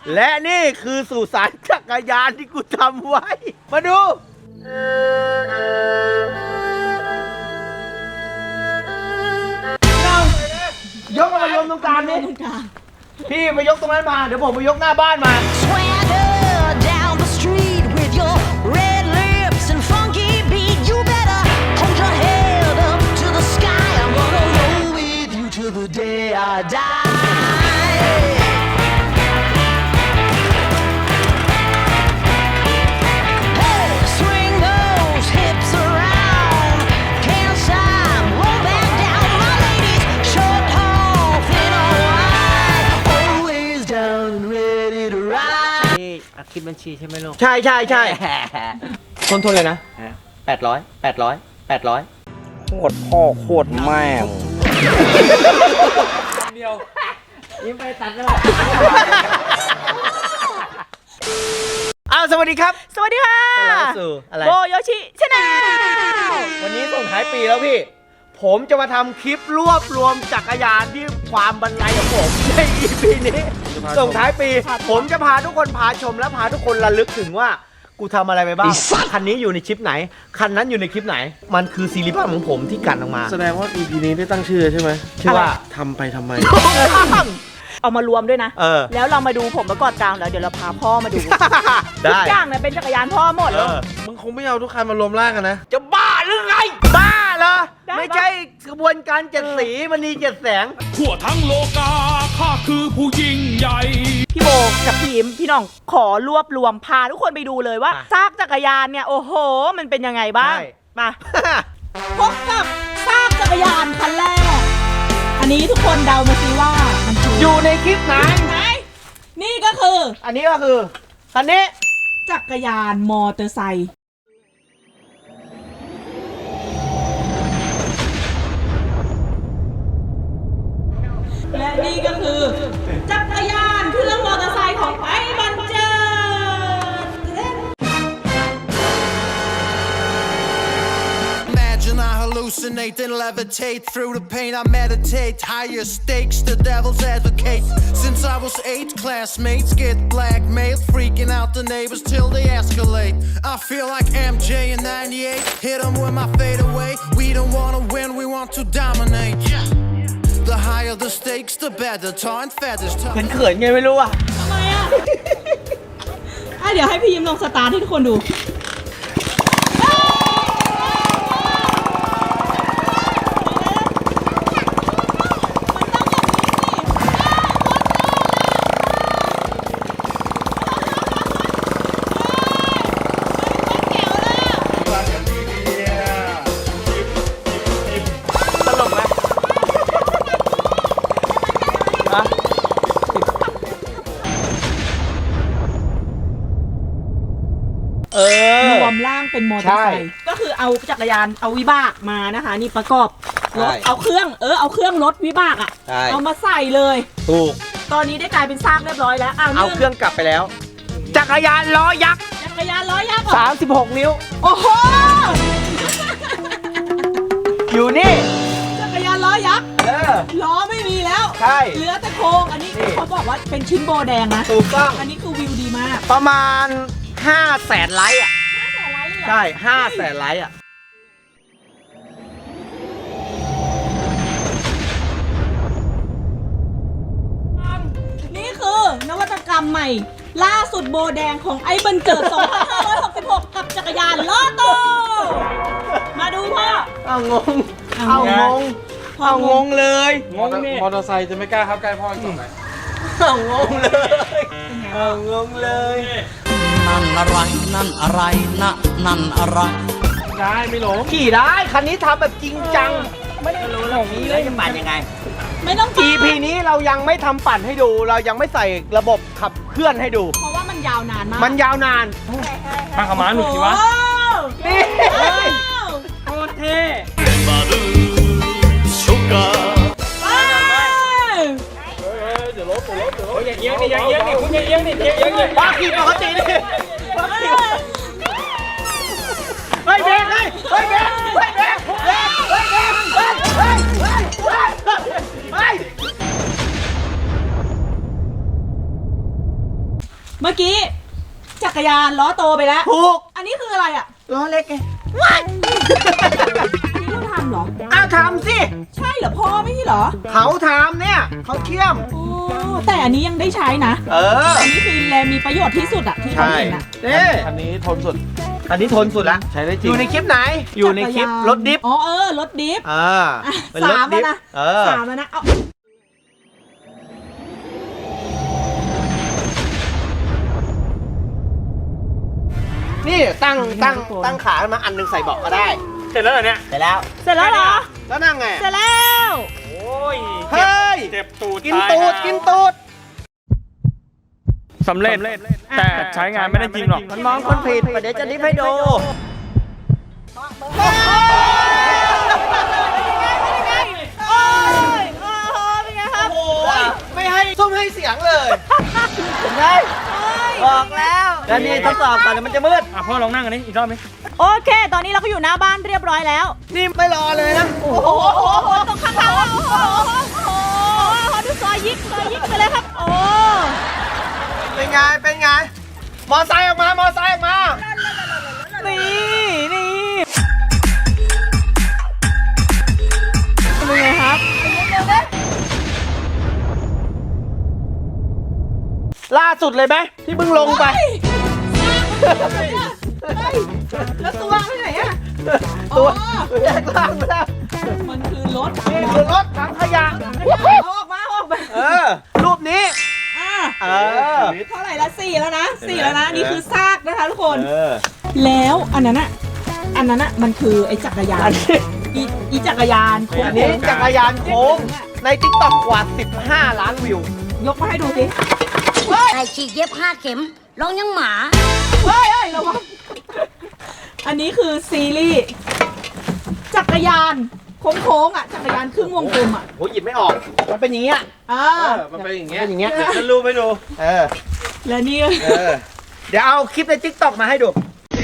และนี่คือสุสานจักรยานที่กูทำไว้ มาดูยกมายกตรงกลางนี่พี่มายกตรงนั้นมาเดี๋ยวผมมายกหน้าบ้านมา Swagger down the street with your red lips and funky beat. You better hold your head up to the sky. I'm gonna roll with you till the day I die. Hey, swing those hips around. Can't stop, roll back down. My ladies, short, tall, thin or wide, always down and ready to ride. นี่อัดคลิปบัญชีใช่ไหมลูกใช่ใช่ใช่ทนเลยนะ800 โคตรพ่อโคตรแม่งยิ้มไปตัดเลยอ้าวสวัสดีครับสวัสดีค่ะต้อนรับเข้าสู่อะไรโบโยชิชาแนลวันนี้ส่งท้ายปีแล้วพี่ ผมจะมาทำคลิปรวบรวมจักรยานที่ความบรรลัยของผมใน EP นี้ ส่งท้ายปี ผมจะพาทุกคนพาชมและพาทุกคนระลึกถึงว่ากูทำอะไรไปบ้าง คันนี้อยู่ในคลิปไหน คันนั้นอยู่ในคลิปไหน มันคือซีรีส์ภาพของผมที่กันออกมาแสดงว่า EP นี้ได้ตั้งชื่อใช่ไหมชื่อว่าทำไปทำไมเอามารวมด้วยนะเออแล้วเรามาดูผมประกอบกลางแล้วเดี๋ยวเราพาพ่อมาดู ทุได้กอย่างเนี่ยเป็นจักรยานพ่อหมดเออมึงคงไม่เอาทุกคันมารวมร่างกันนะจะบ้าหรือไง บ้าเหรอได้ปะไม่ใช่กระบวนการเจ็ดสีมันนีเจ็ดแสงทั่วทั้งโลกาข้าคือผู้ยิ่งใหญ่พี่โบกับทีมพี่น้องขอรวบรวมพาทุกคนไปดูเลยว่าอ่ะซากจักรยานเนี่ยโอ้โห มันเป็นยังไงบ้างใช่มาพบกับซากจักรยานคันแรก อันนี้ทุกคนเดามาสิว่ามันคืออยู่ในคลิปไหนไหนนี่ก็คืออันนี้ก็คือคันนี้จักรยานมอเตอร์ไซค์และนี่ก็คือ จักรยานเครื่องมอเตอร์ไซค์ของไอ้บันเจิด Imagine I hallucinate and levitate through the pain. I meditate higher stakes. The devil's advocate. Since I was 8, classmates get blackmailed, freaking out the neighbors till they escalate. I feel like MJ in '98. Hit 'em with my fadeaway. We don't wanna win, we want to dominate. The higher the stakes, the better. Tar and feathers. เขินๆไงไม่รู้อ่ะทำไมอ่ะ เดี๋ยวให้พี่ยิ้มลองสตาร์ทให้ทุกคนดูตลกไหมฮะ เออรวมร่างเป็นมอเตอร์ไซค์ก็คือเอาจักรยานเอาวิบากมานะคะ นี่ประกอบรถใช่เอาเครื่องรถวิบากอ่ะใช่เอามาใส่เลยถูกตอนนี้ได้กลายเป็นซากเรียบร้อยแล้วเอาเอาเครื่องกลับไปแล้ว จักรยานล้อยักษ์จักรยานล้อยักษ์เหรอ 36 นิ้วโอ้โหอยู่นี่จักรยานล้อยักษ์เออล้อไม่มีแล้วใช่เหลือแต่โครงอันนี้นี่เขาบอกว่าเป็นชิ้นโบแดงนะถูกต้องอันนี้คือวิวดีมากประมาณ 500,000 ไลค์อ่ะ 500,000 ไลค์เลยเหรอใช่ 500,000 ไลค์อ่ะนี่คือนวัตกรรมใหม่ ล่าสุดโบแดงของไอ้บันเจิด 2566 กับจักรยานล้อโต มาดูพ่อเอางงเอาเอางง เอางงเลยมอเตอร์ไซค์จะไม่กล้าเข้าใกล้พ่ออีกต่อไปเอางงเลยเอางงเลยนั่นอะไร นั่นอะไรนะนั่นอะไรได้ไม่หลงขี่ได้ คันนี้ทำแบบจริงจัง ไม่ได้รู้หรอกนี้เลยจะปั่นยังไงไม่ต้อง EP นี้เรายังไม่ทำปั่นให้ดู เรายังไม่ใส่ระบบขับเคลื่อนให้ดูเพราะว่ามันยาวนานมากมันยาวนานข้างขม้าหนุกสิวะนี่โอ้โหโคตรเท่อย่าเอียงดิอย่าเอียงดิคุณอย่าเอียงดิอย่าเอียงดิบ้าขี่ปกติดิบ้าขี่เฮ้ยเบรกเฮ้ยเฮ้ยเบรกเฮ้ยเบรกเฮ้ยเฮ้ยเบรกเฮ้ยเฮ้ยเฮ้ยเฮ้ยเมื่อกี้จักรยานล้อโตไปแล้วถูกอันนี้คืออะไรอ่ะล้อเล็กไงนี่เราทำเหรออ้าวทำสิใช่เหรอพ่อไม่ใช่เหรอเขาทำเนี่ยเขาเชื่อมโอ้แต่อันนี้ยังได้ใช้นะเอออันนี้คือแลมีประโยชน์ที่สุดอะที่เขาใช่เห็นอะนี่อันนี้ทนสุดอันนี้ทนสุดละใช้ได้จอริงยู่ในคลิปไหน อยู่ในคลิปรถดิฟอ๋อรถดิฟอ่าอ่ะเป็นรถสามดิแล้วฟนะเออสามแล้วนะเอานี่ตั้งขามาอันหนึงใส่เบาะก็ได้เสร็จแล้วเหรอเนี่ยเสร็จแล้วเสร็จแล้วเหรอแล้วนั่งไงเสร็จแล้วโอ้ยเฮ้ยเจ็บตูดกินตูดตายกินตูดสำเร็จ แต่ใช้งานไม่ได้จริงหรอกมันมองคนผิดเดี๋ยวจะดิฟให้ดูโอ้ยโอ้โหเป็นไงครับโอ้ยไม่ให้ส้มให้เสียงเลยเห็นไหมบอกแล้วแล้วนี่ทดสอบก่อนเดี๋ยวมันจะมืดอ่ะพ่อลองนั่งอันนี้อีกรอบไหมโอเค ตอนนี้เราก็อยู่หน้าบ้านเรียบร้อยแล้วนี่ไม่รอเลยนะโอ้โหตรงข้างๆโอ้โหดูซอยยิกไปเลยครับ โอ้เป็นไง เป็นไง มอไซค์ออกมา มอไซค์ออกมานี่เป็นไงครับล่าสุดเลยไหมที่เพิ่งลงไปแล้วตัวไปไหนอะตัวแยกล่างแล้วมันคือรถนี่คือรถถังขยะเอาออกมาเออ รูปนี้อ่ะเออเท่าไหร่ละ4แล้วนะ4แล้วนะ นี่คือซากนะคะทุกคนเออแล้วอันนั้นอะมันคือไอ้จักรยาอันนนี้อีจักรยานโค้งอันนี้จักรยานโค้งในทิกตอกกว่า 15 ล้านวิวยกมาให้ดูสิไก่ฉีกเย็บ5 เข็มร้องยังหมาเฮ้ยระวังอันนี้คือซีรีส์จักรยานโค้งๆอ่ะจักรยานครึ่งวงกลมอ่ะโหหยิบไม่ออก มันเป็นอย่างเงี้ยมันเป็นอย่างเงี้ยเป็นอย่างเงี้ยจะรู้ไม่ดูเออและนี่เออ เดี๋ยวเอาคลิปในทิกตอกมาให้ดู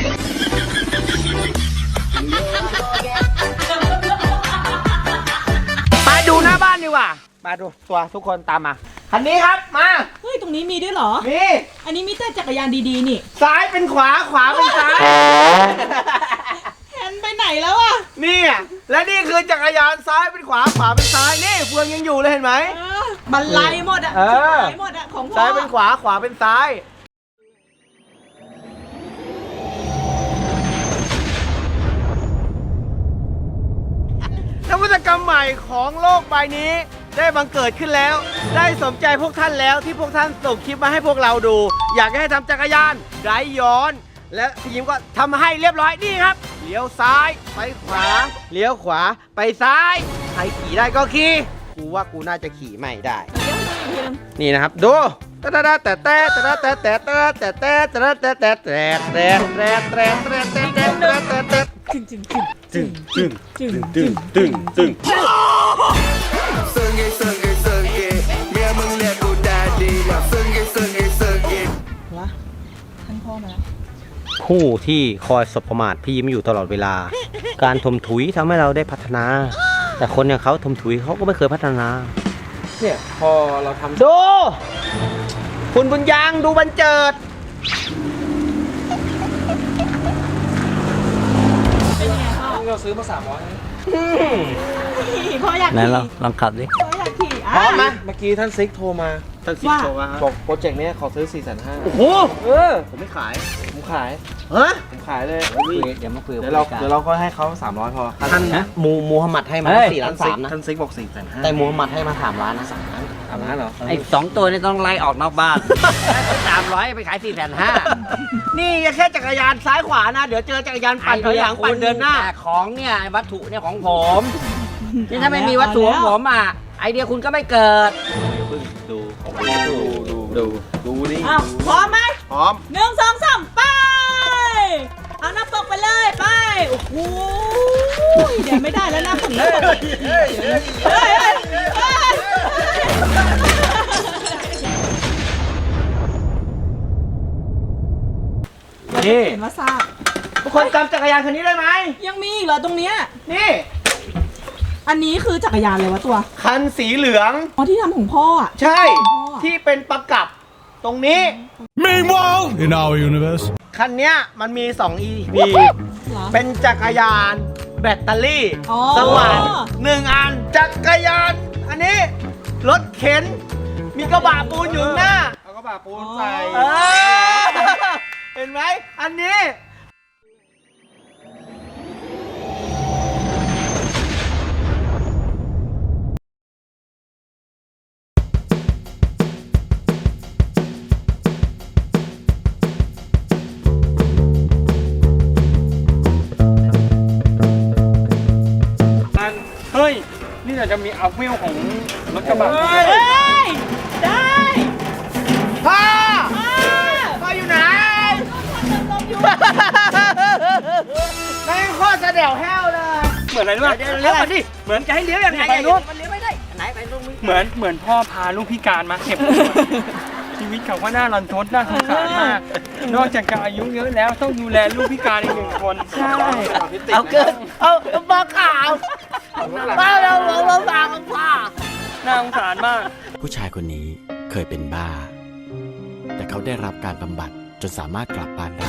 ไปดูหน้าบ้านดีกว่า มาดูตัวทุกคนตามมา คันนี้ครับ มาเฮ้ยตรงนี้มีด้วยเหรอนี่อันนี้มีแต่จักรยานดีๆนี่ซ้ายเป็นขวา ขวาเป็นซ้ายแฮนไปไหนแล้วอ่ะนี่อ่ะและนี่คือจักรยานซ้ายเป็นขวา ขวาเป็นซ้าย นี่เฟืองยังอยู่เลยเห็นไหมบันไลหมดอ่ะเออหมดอ่ะของพ่อซ้ายเป็นขวา ขวาเป็นซ้าย นวัตกรรมใหม่ของโลกใบนี้ได้บังเกิดขึ้นแล้ว ได้สมใจพวกท่านแล้วที่พวกท่านส่งคลิปมาให้พวกเราดู อยากให้ทำจักรยานไร้ย้อน และพี่ยิ้มก็ทำให้เรียบร้อยนี่ครับเลี้ยวซ้ายไปขวาเลี้ยวขวาไปซ้ายใครขี่ได้ก็ขี่กูว่ากูน่าจะขี่ไม่ได้ นี่นะครับดูแต่แต่แต่แต่แต่แต่แต่แต่แต่แต่แต่แต่แต่แต่แต่แต่แต่แต่จึงจึงจึงจึงจึงจึงจึงจึงจึงซึ่งไงเมียมึงเรียกกูแดดดี้ซึ่งไงวะท่านพ่อมาแล้วผู้ที่คอยสบประมาทพี่ยิ้มอยู่ตลอดเวลา การถมถุยทำให้เราได้พัฒนา แต่คนอย่างเขาถมถุยเขาก็ไม่เคยพัฒนาเนี่ยพอเราทำดู คุณบุญยังดูบรรเจิดเป็นยังไงพ่อเราซื้อมา300 พ่ออยากไหนขี่ลองขับดิพ่ออยากขี่พร้อมไหมเมื่อกี้ท่านซิกโทรมาท่านสิบโชว์มาบอกโปรเจกต์เนี้ยขอซื้อ 450,000 โอ้โห ผมไม่ขายผมขายฮะผมขายเลยเดี๋ยวมาคุยกับเดี๋ยวเราก็ให้เขา300พอท่านมูฮัมหมัดให้มา4 ล้าน 3นะท่านซิกบอก 450,000 แต่มูฮัมหมัดให้มา3 ล้านนะ 3 ล้านเหรอไอ้2 ตัวนี่ต้องไล่ออกนอกบ้าน 300 ไปขาย 450,000 นี่แค่จักรยานซ้ายขวานะ เดี๋ยวเจอจักรยานปั่นถอยหลังปั่นเดินหน้าแต่ของเนี่ยไอ้วัตถุเนี่ยของผมนี่ถ้าไม่มีวัตถุของผมอ่ะ ไอเดียคุณก็ไม่เกิดดูนี่อ้าวพร้อมไหมพร้อม 1 2 3ไป เอาหน้าปกไปเลยไป โอ้โหเดี๋ยวไม่ได้แล้วหน้าปกเฮ้ยนี่เห็นว่าทราบทุกคนจำจักรยานคันนี้ได้ไหมยังมีอีกเหรอตรงเนี้ยนี่อันนี้คือจักรยานเลยวะตัวคันสีเหลืองอ๋อที่ทำของพ่ออ่ะใช่อ๋อที่เป็นประกับตรงนี้ Meanwhile in our universe คันเนี้ยมันมี 2 EP เหรอเป็นจักรยานแบตเตอรี่อ๋อสว่าน1 อัน จักรยาน อันนี้ รถเข็น มีกระบะปูนอยู่ข้างหน้าเอากระบะปูนใส่เออ เห็นไหม อันนี้เฮ้ย นี่เราจะมีอัพวิวของรถกระบะเฮ้ย ได้พ่ออ่าพ่ออยู่ไหนลมอยู่แม่งโคตรจะเดี่ยวแห้วเลยเหมือนอะไรรู้ป่ะเดี๋ยวเลี้ยวก่อนดิเหมือนจะให้เลี้ยวยังไงไปนู้นมันเลี้ยวไม่ได้ไหนไปตรงนี้เหมือนพ่อพาลูกพิการมาเก็บ ชีวิตเขาก็น่ารันทดน่าสงสารมาก นอกจากจะอายุเยอะแล้วต้องดูแลลูกพิการอีก1 คน ใช่เอาเกิน เอามาข่าวมาเราบางพ่อน่าสงสารมากผู้ชายคนนี้เคยเป็นบ้า แต่เขาได้รับการบำบัดจนสามารถกลับบ้านได้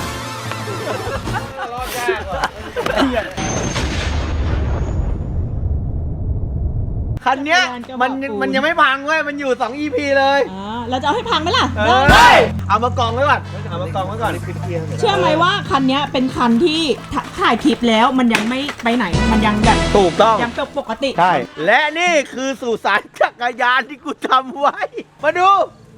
คันเนี้ยมันยังไม่พังเว้ย มันอยู่ 2 EP เลยอ่าเราจะเอาให้พังไหมล่ะเฮ้ยเอามากองไว้ก่อน เอามากองไว้ก่อนเชื่อไหมว่าคันเนี้ยเป็นคันที่ถ่ายคลิปแล้วมันยังไม่ไปไหน มันยังแบบถูกต้องยังปกติใช่ และนี่คือสุสานจักรยานที่กูทำไว้ มาดู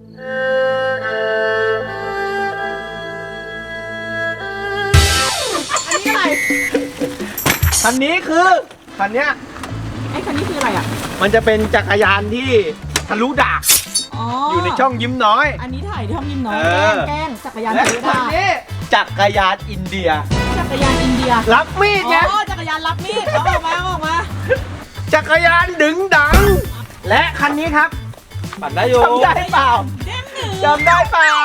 อันนี้อะไรคันนี้คือ คันเนี้ยไอ้คันนี้คืออะไรอ่ะมันจะเป็นจักรยานที่ทะลุดากอ๋อออยู่ในช่องยิ้มน้อยอันนี้ถ่ายที่ทำยิมน้อยเออแกล้งจักรยานและถือคันดาบนี้จักรยานอินเดียจักรยานอินเดียรับมีดไงอ๋อจักรยานรับมีดเอาออกมาเอาออกมาจักรยานดึงดัง และคันนี้ครับปั่นได้อยู่จำได้เปล่าเด้งหนึ่งจำได้เปล่า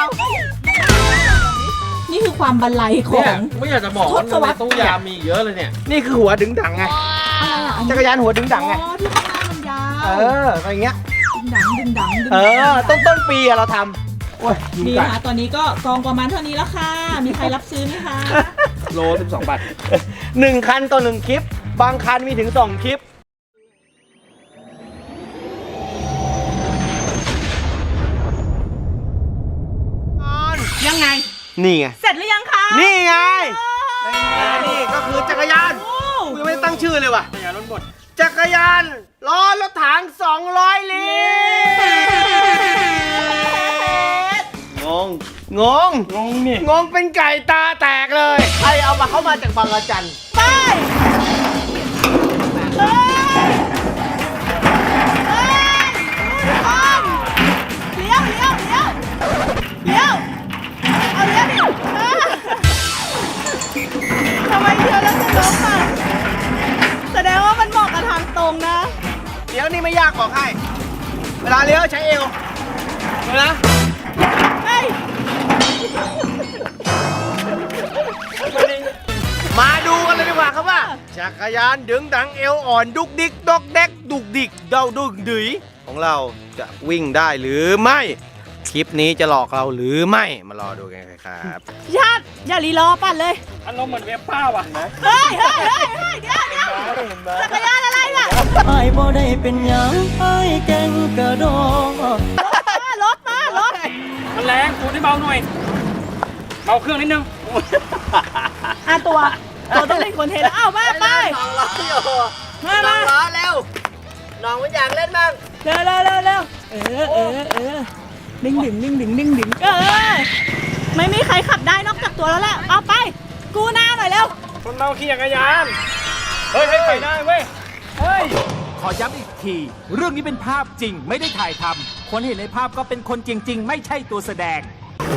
นี่คือความบันไลของไม่อยากจะบอกทว่าศวรรษตู้ยามมีเยอะเลยเนี่ยนี่คือหัวดึงดังไงอะไรอ่ะอันนี้จักรยานหัวดึงดังไงอ๋อที่ข้างหน้ามันยาวเอออะไรเงี้ยดึงดังดึงดังดึงเอดังอ ต้นปีอะเราทำโอ้ยยุงนี่กัดค่ะตอนนี้ก็กองประมาณเท่านี้แล้วค่ะ มีใครรับซื้อไหมคะโล 12 บาท 1 คันต่อ 1 คลิป บางคันมีถึง 2 คลิปยังไงนี่ไงเสร็จหรือยังคะนี่ไงโอ้นี่ก็คือจักรยานโอ้กูยังไม่ได้ตั้งชื่อเลยว่ะจักรยานรถบดจักรยานล้อรถถัง200 ลิตร งงงงนี่งงเป็นไก่ตาแตกเลย ใครเอามาเข้ามาจากบางระจันไปเฮ้ยเฮ้ยเลี้ยวเลี้ยวเลี้ยวเลี้ยวเอาเลี้ยวดิทำไมเลี้ยวแล้วจะล้มอ่ะแสดงว่ามันเหมาะกับทางตรงนะเลี้ยวนี่ไม่ยากบอกให้ เวลาเลี้ยวใช้เอวเห็นไหมเฮ้ยมาดูกันเลยดีกว่าครับว่า จักรยานดึงดังเอวอ่อนดุกดิกดอกแดกดุกดิกเดาดุกดืยของเราจะวิ่งได้หรือไม่ คลิปนี้จะหลอกเราหรือไม่ มารอดูกันครับชาติอย่ารีรอปั่นเลยอารมณ์เหมือนเวฟป้าว่ะนะเฮ้ยเฮ้ยเฮ้ยเฮ้ยเดี๋ยวเดี๋ยวจักรยานอะไรล่ะไอ้บ่ได้เป็นหยังไอ้แกงกระโดดรถมารถมันแรงคูณให้เบาหน่อย เบาเครื่องนิดนึงตัวต้องเป็นคนเทแล้วอ้าวมาไปสองล้ออยู่มาสอมางล้อเร็ว น้องมันอยากเล่นบ้างเร็วเร็วเร็วเร็วดึงดึงดึงดึงดึงดึงไม่มีใครขับได้นอกจากตัวแล้วแหละเอาไป กูหน้าหน่อยเร็วคนเราขี่จักรยาน เฮ้ยไปได้เว้ย เฮ้ยขอย้ำอีกที เรื่องนี้เป็นภาพจริงไม่ได้ถ่ายทำคนเห็นในภาพก็เป็นคนจริง ๆ ไม่ใช่ตัวแสดง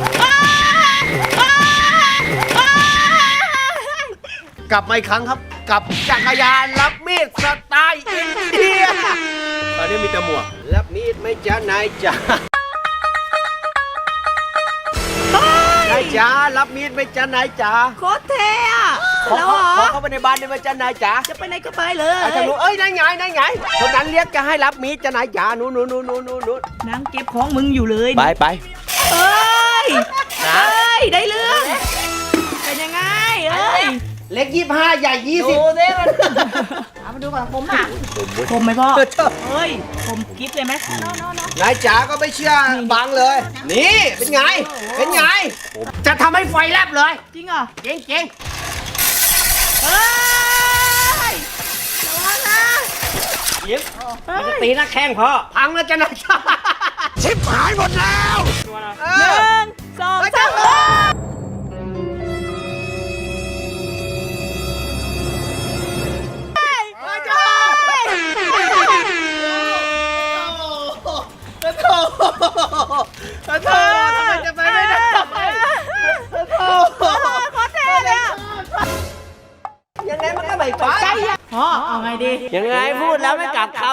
กลับมาอีกครั้งครับ กับจักรยานรับมีดสไตล์อินเดีย ตอนนี้มีแต่หมวก รับมีดไม่จ้านายจ๋านายจ๋ารับมีดไม่จ้านายจ๋าโคตรเท่อะขอแล้วเหรอเข้าไปในบ้านได้ไหมจ้านายจ๋าจะไปไหนก็ไปเลยอาจารย์รู้เอ้ยนายไงนายไงคนนั้นเรียกจะให้รับมีดจ้านายจ๋านู้นนั่งเก็บของมึงอยู่เลยไปเอ้นะเอ้ยได้เรื่องเป็นยังไงเอ้ยเล็ก25ใหญ่20 ดูสิมันเอามาดูก่อนผมอ่ะผมไหมพ่อเฮ้ยผมกิฟต์เลยไหมน้องนายจ๋าก็ไม่เชื่อบังเลย นี่เป็นไง เป็นไง จะทำให้ไฟแลบเลยจริงเหรอเก่งเฮ้ยระวังนะยิ้มมันจะตีหน้าแข้งพ่อๆพังแล้วจะนายจ๋าชิบหายหมดแล้วเอหอนึ่งสองสามโธ่ทำไมจะไปไม่ได้โธ่โคตรเท่เลยอ่ะยังไงมันก็ไม่ไปพ่อเอาไงดียังไงพูดแล้วไม่กลับคอ่ะ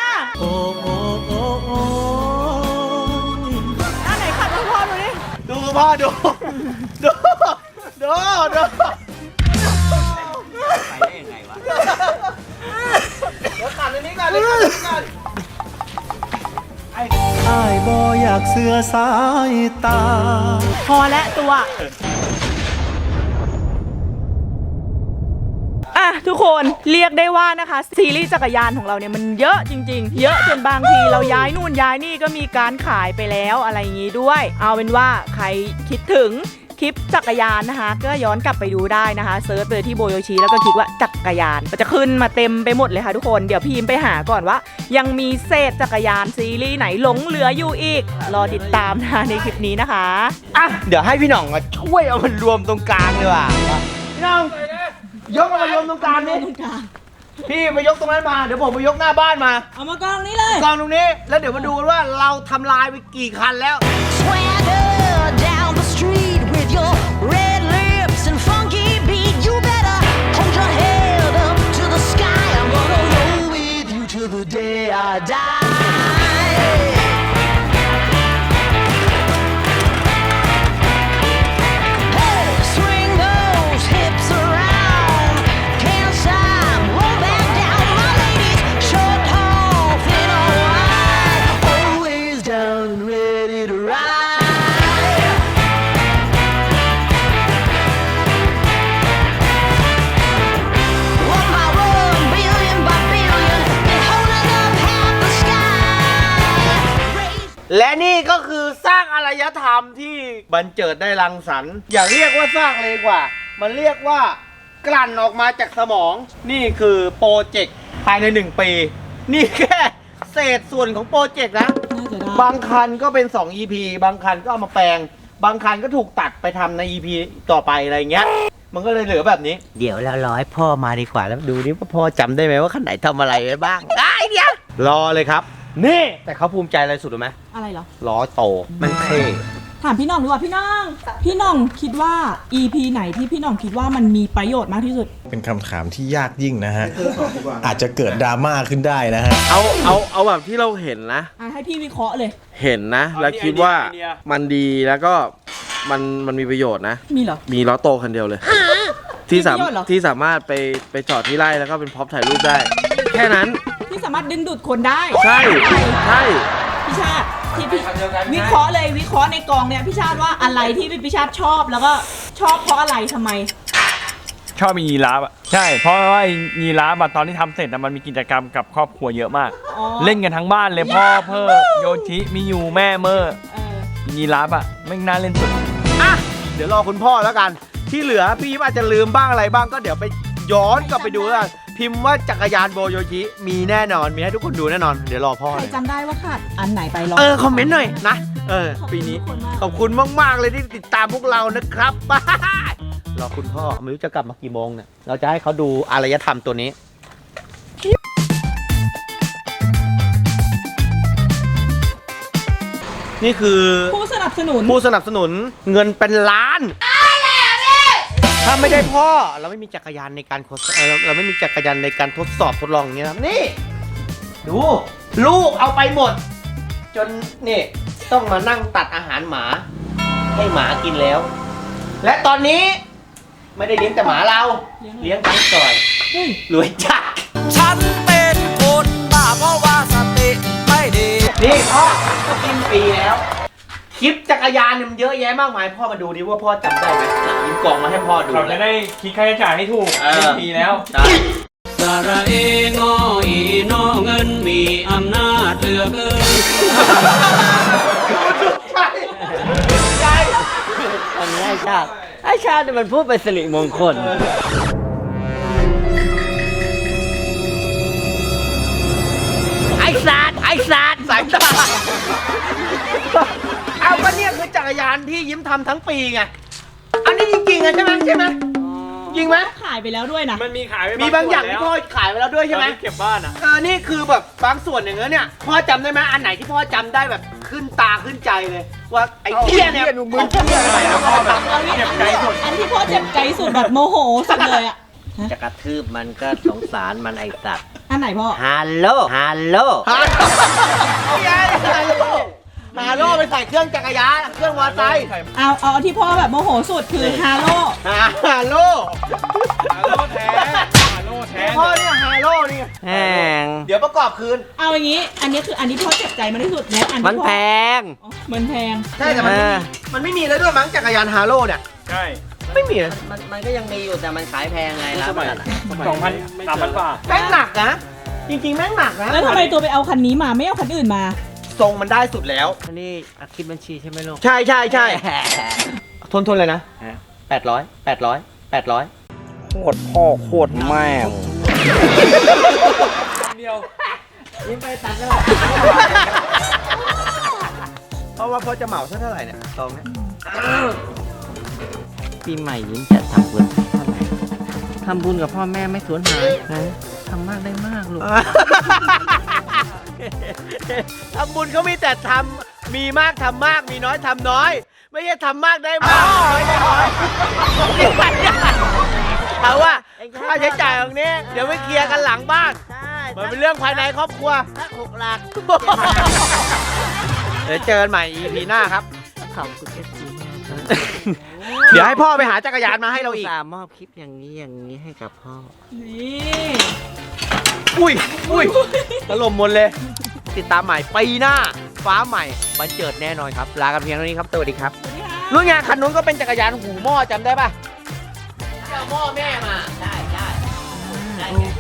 อันไหนขัดพ่อดูดิดูพ่อดูดูำไปได้ยังไงวะเดี๋ยวขันอันนี้ก่อนเลยขันอันนี้ก่อนอ้ายบ่อยากเสือสายตาพอและตัวอ่ะทุกคนเรียกได้ว่านะคะซีรีส์จักรยานของเราเนี่ยมันเยอะจริงๆ เยอะจนบางทีเราย้ายนู่นย้ายนี่ก็มีการขายไปแล้วอะไรอย่างงี้ด้วย เอาเป็นว่าใครคิดถึงคลิปจักรยานนะคะ ก็ย้อนกลับไปดูได้นะคะเซิร์ชไปที่โบโยชิแล้วก็คลิกว่าจักรยานมันจะขึ้นมาเต็มไปหมดเลยค่ะทุกคนเดี๋ยวพี่ยิมไปหาก่อนว่า ยังมีเศษจักรยานซีรีส์ไหนหลงเหลืออยู่อีกรอติดตามนะคะในคลิปนี้นะคะอ่ะเดี๋ยวให้พี่หน่องมาช่วยเอามันรวมตรงกลางดีกว่าพี่หน่องยกมันมารวมตรงกลางนี่พี่ไปยกตรงนั้นมาเดี๋ยวผมไปยกหน้าบ้านมาเอามากองนี้เลยกองตรงนี้แล้วเดี๋ยวมาดูกันว่าเราทำลายไปกี่คันแล้ว Swagger down the street with your red lips and funky beat. You better hold your head up to the sky. I'm gonna roll with you till the day I die. Hey, swing those hips around. Can't stop, roll back down. My ladies, short, tall, thin or wide, always down and ready to ride. One by one, billion by billion, been holding up half the sky. Raise และนี่ก็คือสร้างอารยธรรมที่บันเจิดได้รังสรรค์อย่าเรียกว่าสร้างเลยกว่า มันเรียกว่ากลั่นออกมาจากสมอง นี่คือโปรเจกต์ภายใน1 ปี นี่แค่เศษส่วนของโปรเจกต์นะ บางคันก็เป็น2 EP บางคันก็เอามาแปลง บางคันก็ถูกตัดไปทำใน EP ต่อไปอะไรเงี้ย มันก็เลยเหลือแบบนี้ เดี๋ยวเรารอให้พ่อมาดีกว่าแล้วดูดิว่าพ่อจำได้ไหมว่าคันไหนทำอะไรไว้บ้างได้เดี๋ยวรอเลยครับ นี่แต่เขาภูมิใจอะไรสุดรู้ไหมอะไรเหรอล้อโตมันเท่ถามพี่น้องดีกว่าพี่น้อง พี่น้องคิดว่า EP ไหนที่พี่น้องคิดว่ามันมีประโยชน์มากที่สุดเป็นคำถามที่ยากยิ่งนะฮะ อาจจะเกิดดราม่าขึ้นได้นะฮะเอาแบบที่เราเห็นนะให้พี่วิเคราะห์เลยเห็นนะ แล้วคิดว่ามันดีแล้วก็มันมีประโยชน์นะมีเหรอมีล้อโตคันเดียวเลย ที่สามมีประโยชน์เหรอที่สามารถไปจอดที่ไร่แล้วก็เป็นพร็อพถ่ายรูปได้ แค่นั้นที่สามารถดึงดูดคนได้ใช่ใช่พี่ชาติที่พี่วิเคราะห์เลยวิเคราะห์ในกองเนี่ยพี่ชาติว่าอะไรที่พี่ชาติชอบแล้วก็ชอบเพราะอะไรทำไมชอบมียีราฟอ่ะใช่เพราะว่ายีราฟอะตอนที่ทำเสร็จอะมันมีกิจกรรมกับครอบครัวเยอะมากอ๋อเล่นกันทั้งบ้านเลยพ่อเพ่อโยชิมิยูแม่เมอร์เออยีราฟอ่ะไม่น่าเล่นสุดอ่ะเดี๋ยวรอคุณพ่อแล้วกัน ที่เหลือพี่ยิ้มอาจจะลืมบ้างอะไรบ้างก็เดี๋ยวไปย้อนกลับไปดูแล้วกันพิมพ์ว่าจักรยานโบโยชิมีแน่นอนมีให้ทุกคนดูแน่นอนเดี๋ยวรอพ่อใครเลยจำได้ว่าขาดอันไหนไปลองคอมเมนต์หน่อยนะปีนี้ขอบคุณมากๆเลยที่ติดตามพวกเรานะครับ รอคุณพ่อไม่รู้จะกลับมากี่โมงเนี่ยเราจะให้เขาดูอารยธรรมตัวนี้ นี่คือผู้สนับสนุนผู้สนับสนุนเงินเป็นล้าน ถ้าไม่ได้พ่อเราไม่มีจักรยานในการเราไม่มีจักรยานในการทดสอบทดลองอย่างเงี้ยครับนี่ดูลูกเอาไปหมด จนนี่ต้องมานั่งตัดอาหารหมา ให้หมากินแล้ว และตอนนี้ไม่ได้เลี้ยงแต่หมาเราเลี้ยงทั้งซอยรวยจัดฉันเป็นคนบ้าเพราะว่าสติไม่ดีนี่พ่อก็กินฟรีแล้วคลิปจักรยานเนี่ยมันเยอะแยะมากมายพ่อมาดูดิว่าพ่อจำได้ไหมยิ้มกล่องมาให้พ่อดูเราจะได้คิดค่าใช้จ่ายให้ถูกทีแล้วสระเองอีนอเงินมีอำนาจเหลือเกินใช่อันนี้ไอ้ชาติเนี่ยมันพูดเป็นสิริมงคล ไอ้สัตว์สายตาเอาก็เนี่ยคือจักรยานที่ยิ้มทำทั้งปีไงอันนี้จริงๆอะใช่ไหมจริงไหมขายไปแล้วด้วยนะมันมีขายไปมีบางอย่างที่พ่อขายไปแล้วด้วยใช่ไหมเก็บบ้านอ่ะนี่คือแบบบางส่วนอย่างเงี้ยเนี่ยพ่อจำได้ไหมอันไหนที่พ่อจำได้แบบขึ้นตาขึ้นใจเลย ว่าไอ้เหี้ยเนี่ยมึงเหี้ยอะไรนะพ่อแบบเจ็บใจสุดอันที่พ่อเจ็บใจสุดแบบโมโหสุดเลยอะจะกระทืบมันก็สงสารมันไอ้สัตว์อันไหนพ่อฮัลโหลฮาโลไปใส่เครื่องจักรยานเครื่องมอเตอร์ไซค์เอาที่พ่อแบบโมโหสุดคือฮาโลฮาโลแท้แท้พ่อเนี่ยฮาโลนี่แพงเดี๋ยวประกอบคืนเอาอย่างนี้ อันนี้คืออันที่พ่อเจ็บใจมากที่สุดและอันมันที่พ่อแพงอ๋อมันแพงใช่แต่มันไม่มีแล้วด้วยมั้งจักรยานฮาโลเนี่ยใช่ไม่มีนะมันก็ยังมีอยู่แต่มันขายแพงไงร้าน 2,000-3,000 บาทแม่งหนักนะจริงๆแม่งหนักนะแล้วทำไมตัวไปเอาคันนี้มาไม่เอาคันอื่นมาทรงมันได้สุดแล้วอันนี้อัดคลิปบัญชีใช่ไหมลูกใช่ทนเลยนะ800 โคตรพ่อโคตรแม่เดียวยิ้มไปตัดแล้วเพราะว่าพ่อจะเหมาเท่าไหร่เนี่ยตองเนี่ยปีใหม่ยิ้มจะทำบุญเท่าไหร่ทำบุญกับพ่อแม่ไม่สูญหายนะทำมากได้มากลูกทำบุญเขามีแต่ทำมีมากทำมากมีน้อยทำน้อย ไม่ใช่ทำมากได้มากน้อยได้น้อยเอาว่าค่าใช้จ่ายตรงนี้เดี๋ยวไปเคลียร์กันหลังบ้านมันเป็นเรื่องภายในครอบครัวสัก6 หลักเดี๋ยวเจอกันใหม่ EP หน้าครับขอบคุณเอฟซีมากครับเดี๋ยวให้พ่อไปหาจักรยานมาให้เราอีกสามอบคลิปอย่างนี้ให้กับพ่อนี่อุ้ยถล่มหมดเลย ติดตามใหม่ปีหน้า ฟ้าใหม่บันเจิดแน่นอนครับ ลากันเพียงเท่านี้ครับ สวัสดีครับรุ่นงานคันนู้นก็เป็นจักรยานหูหม้อจำได้ป่ะเอาหม้อแม่มา ได้